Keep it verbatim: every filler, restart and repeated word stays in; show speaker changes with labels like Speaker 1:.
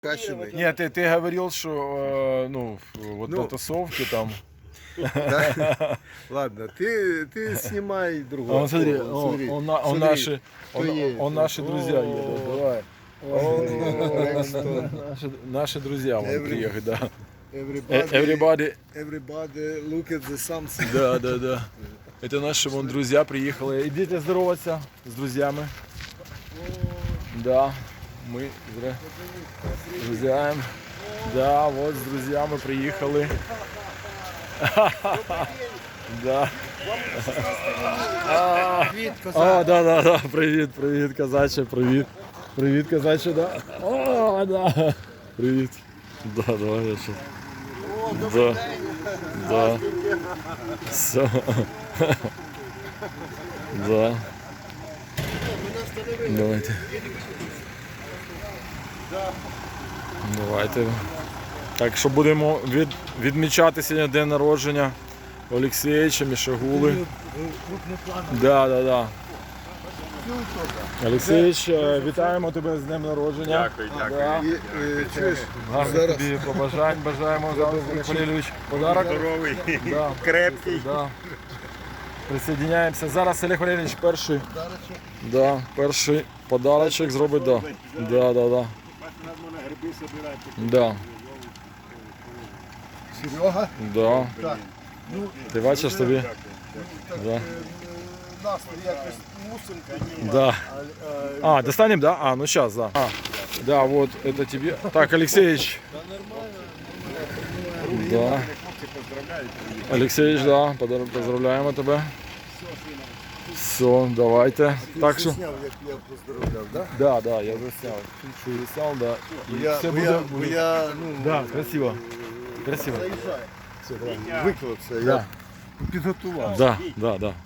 Speaker 1: Каченый.
Speaker 2: Нет, ты, ты говорил, что э, ну, вот
Speaker 1: Ну.
Speaker 2: на тусовке там.
Speaker 1: Да? Ладно, ты, ты снимай
Speaker 2: А
Speaker 1: другого.
Speaker 2: он смотри,
Speaker 1: О,
Speaker 2: он,
Speaker 1: смотри,
Speaker 2: он, на- он
Speaker 1: смотри,
Speaker 2: наши,
Speaker 1: кто
Speaker 2: он,
Speaker 1: едет.
Speaker 2: он наши
Speaker 1: О,
Speaker 2: друзья едут. Давай.
Speaker 1: О, Рекстон.
Speaker 2: Наши, наши друзья вон
Speaker 1: Every-
Speaker 2: приехать, да. Э,
Speaker 1: Everybody,
Speaker 2: Everybody.
Speaker 1: everybody look at the sunset.
Speaker 2: Да, да, да. Это наши вон друзья приехали. Идите здороваться с друзьями. Да, мы зря с друзьями. Да, вот с друзьями приехали. Да. А, а, да, да, да. Привіт, привіт, козаче, привіт. Привіт, козаче, да. О, да. Привіт. Да, давай я ще. Да. Да. Все. Да. Давайте. Давайте. Так що будемо від, відмічати сьогодні день народження Олексійовича Мішагули. Да, да, да. Олексійович, е, вітаємо тебе з днем народження.
Speaker 3: Дякую, дякую.
Speaker 2: Да.
Speaker 1: І, е, чуєш,
Speaker 2: Гарних
Speaker 1: зараз
Speaker 2: тобі побажань бажаємо зараз, Олег Валерійович. Подарок.
Speaker 3: Здоровий,
Speaker 2: Да.
Speaker 3: крепкий.
Speaker 2: Да. Присоединяємося. Зараз Олег Валерійович перший. Да, перший подарочок зробить. Да. Да, да, да. Да.
Speaker 1: Серега,
Speaker 2: Да.
Speaker 1: так, ну,
Speaker 2: Ти бачиш тобі? Да.
Speaker 1: е, настрій якось мусимо.
Speaker 2: Да. А, достанем, да? А, ну сейчас, да. А, да, вот это тебе. Так, Алексеевич. Да. Алексеевич, да, подар- поздравляємо тебе. Все, давайте. Так що.
Speaker 1: Зняв, як я поздравляв, да?
Speaker 2: Да, да, я заснял. Чуть заснял, да. І
Speaker 1: Я,
Speaker 2: все
Speaker 1: бо
Speaker 2: буде.
Speaker 1: я, бо я, ну,
Speaker 2: Да, красиво. Красиво.
Speaker 1: заїжджаю. Все, давай. Виклався,
Speaker 2: Да.
Speaker 1: я підготував.
Speaker 2: Да, да, да.